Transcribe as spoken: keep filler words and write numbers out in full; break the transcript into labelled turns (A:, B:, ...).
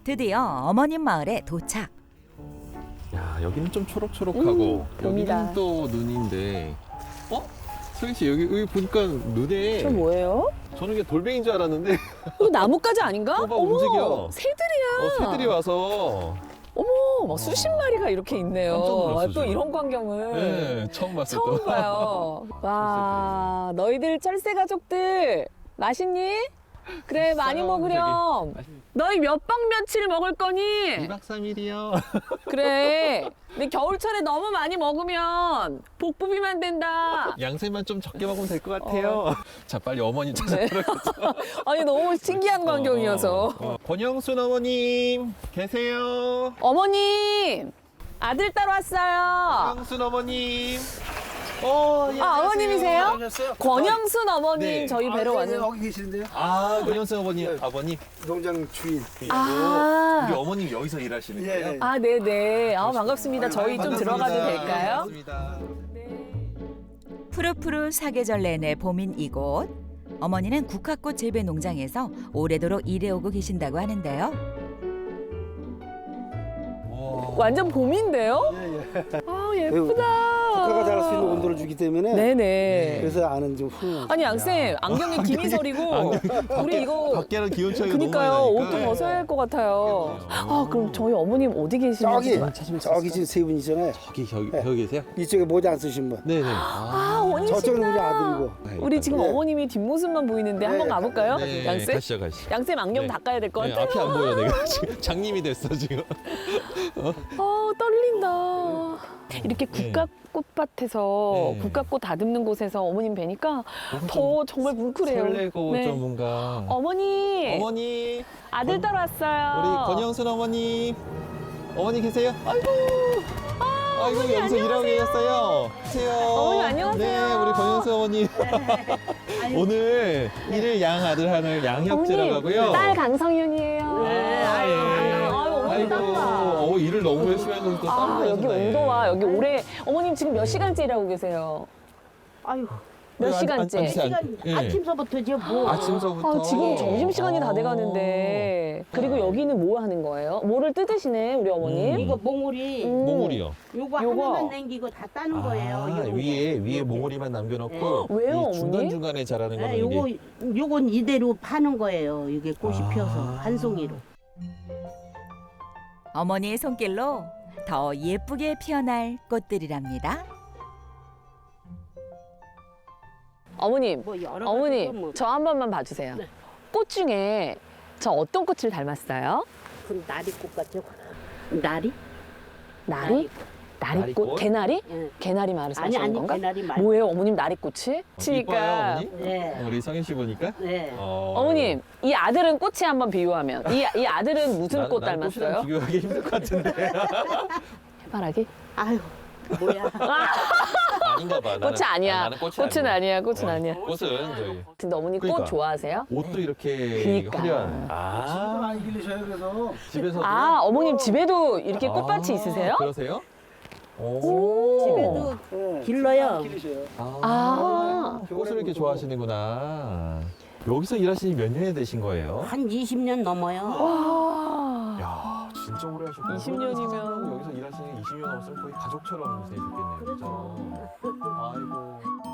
A: 드디어 어머님 마을에 도착.
B: 야, 여기는 좀 초록초록하고
C: 음, 봄이다.
B: 여기는 또 눈인데. 어? 소희 씨 여기, 여기 보니까 눈에
C: 저 뭐예요?
B: 저는 이게 돌멩이인 줄 알았는데
C: 이거 나뭇가지 아닌가?
B: 어, 막 움직여.
C: 새들이야.
B: 어, 새들이 와서
C: 어머, 막 수십 마리가 이렇게 있네요.
B: 깜짝 놀랐어,
C: 아, 또
B: 지금.
C: 이런 광경을
B: 네, 처음 봤어요.
C: 처음
B: 또.
C: 봐요. 와, 너희들 철새 가족들 맛있니? 그래, 많이
B: 있어요,
C: 먹으렴. 너희 몇 박 며칠 먹을 거니?
B: 이 박 삼 일이요.
C: 그래. 근데 겨울철에 너무 많이 먹으면 복부비만 된다.
B: 양새만 좀 적게 먹으면 될 것 같아요. 자, 빨리 어머니 찾아
C: 네. 아니, 너무 신기한 광경이어서.
B: 어, 어. 권영순 어머님 계세요?
C: 어머님, 아들 따러 왔어요.
B: 권영순 어머님. 어, 예,
C: 아,
B: 안녕하세요.
C: 어머님이세요?
D: 안녕하세요.
C: 권영순 어머님
B: 네.
C: 저희 뵈러
D: 아, 네,
C: 왔는데.
D: 네, 여기 계시는데요?
B: 아, 권영순 어머님, 아버님.
D: 농장 주인.
C: 아.
B: 우리 어머님 여기서 일하시는
D: 예,
B: 거예요?
D: 예.
C: 아, 네네. 아, 반갑습니다. 저희 좀
D: 반갑습니다.
C: 들어가도 될까요?
B: 반갑습니다.
A: 푸르푸르 사계절 내내 봄인 이곳. 어머니는 국화꽃 재배 농장에서 오래도록 일해오고 계신다고 하는데요.
B: 와.
C: 완전 봄인데요?
D: 예, 예.
C: 아, 예쁘다.
D: 국가가 자랄 수 있는 온도를 주기 때문에
C: 네네.
D: 그래서 아는 좀 후.
C: 아니, 양쌤, 안경에 김희설이고, 우리 이거.
B: 밖에는 기온 차이가
C: 그니까요.
B: 너무 많이
C: 옷 좀
B: 나니까.
C: 벗어야 할 것 같아요. 아, 그럼 저희 어머님 어디 계시는지
D: 저기
C: 찾으면
D: 저기 지금 세 분 있잖아요.
B: 저기 저기
D: 네.
B: 여기 계세요?
D: 이쪽에 모자 안 쓰신 분.
B: 네네.
C: 아, 어머님
D: 저쪽은 우리
C: 신나.
D: 아들이고.
C: 우리 지금
D: 네.
C: 어머님이 뒷모습만 보이는데 한번
D: 네,
C: 가볼까요?
B: 네,
C: 양쌤?
B: 가시죠, 가시죠.
C: 양쌤 안경
B: 네.
C: 닦아야 될 것
B: 네,
C: 같아요.
B: 앞이 안 보여 내가 지금 장님이 됐어 지금.
C: 어, 떨린다. 이렇게 국화꽃밭에서
B: 네.
C: 국화꽃 다듬는 곳에서 어머님 뵈니까 더 정말 뭉클해요.
B: 설레고
C: 네.
B: 좀 뭔가.
C: 어머니,
B: 어머니,
C: 아들 따러 왔어요.
B: 우리 권영순 어머니, 어머니 계세요? 아이고,
C: 아,
B: 아이고
C: 어머니,
B: 여기서 일하고 계셨어요. 안녕하세요.
C: 어머니, 안녕하세요.
B: 네, 우리 권영순 어머니. 오늘 일을 양 아들 하는 양혁재라고 하고요.
C: 딸 강성윤이에요.
B: 네, 아, 예.
C: 아유, 어머니
B: 아이고,
C: 땀나.
B: 어, 일을 너무 열심히 해서 또
C: 아,
B: 땀을
C: 여기
B: 흘리셨네.
C: 온도와 여기 올해 어머님 지금 몇 시간째 일하고 계세요?
E: 아유,
C: 몇
B: 안- 안-
C: 시간째?
B: 안-
E: 시간
B: 예.
E: 아침서부터죠 뭐.
B: 아침서부터.
C: 아, 지금 점심시간이 다
B: 아.
C: 돼가는데. 그리고 여기는 뭐 하는 거예요? 뭐를 뜯으시네, 우리 어머님?
B: 음.
E: 이거 몽우리
C: 음.
B: 몽우리요.
E: 요거,
C: 요거.
E: 하나만 남기고 다 따는 거예요.
B: 아,
E: 요거.
B: 위에 위에
E: 요거.
B: 몽우리만 남겨놓고
C: 네. 왜요,
B: 이 중간
C: 어머니?
B: 중간에 자라는 거는
E: 네, 요거
B: 이게
E: 요건 이대로 파는 거예요. 이게 꽃이
B: 아.
E: 피어서 한 송이로.
A: 어머니의 손길로 더 예쁘게 피어날 꽃들이랍니다.
C: 어머님,
E: 뭐 여러
C: 어머니,
E: 가지고 뭐.
C: 저 한 번만 봐주세요.
E: 네.
C: 꽃 중에 저 어떤 꽃을 닮았어요?
E: 그 나리꽃 같아요. 나리?
C: 나리? 나리꽃?
B: 나리꽃?
C: 개나리?
E: 예.
C: 개나리 마을을
E: 아니
C: 사시는
E: 아니
C: 건가?
E: 개나리 말고.
C: 뭐예요, 어머님 나리꽃이?
B: 어, 이뻐요, 어머니?
E: 네.
B: 우리 성현 씨 보니까.
E: 네.
B: 어,
C: 어머님, 이 아들은 꽃이 한번 비유하면 이, 이 아들은 무슨
B: 난-
C: 꽃
B: 난 꽃이랑
C: 닮았어요?
B: 비교하기 힘들 것 같은데.
C: 해바라기?
E: 아유 뭐야.
B: 아닌가 봐. 나는-
C: 꽃이 아니야.
B: 아, 나는 꽃이
C: 꽃은
B: 아니야.
C: 아니야. 꽃은
B: 어,
C: 아니야.
B: 꽃은 저기
C: 근데 어머니 꽃
B: 그러니까.
C: 좋아하세요?
B: 옷도 이렇게
C: 그니까.
B: 화려한.
D: 아,
B: 아,
D: 많이 길르셔요 그래서.
B: 집에서.
C: 아, 어머님 집에도 이렇게 꽃밭이 있으세요?
B: 그러세요? 오.
E: 집에도
D: 네,
E: 길러요.
D: 많이 길르셔요.
C: 아,
B: 꽃을 이렇게 좋아하시는구나. 여기서 일하신 지 몇 년이 되신 거예요?
E: 한 이십 년 넘어요.
C: 와.
B: 야, 진짜 오래 하셨구나.
C: 이십 년이면.
B: 여기서 일하시는 게 이십 년 넘었으면 거의 가족처럼 지내셨겠네요. 그죠? 아이고.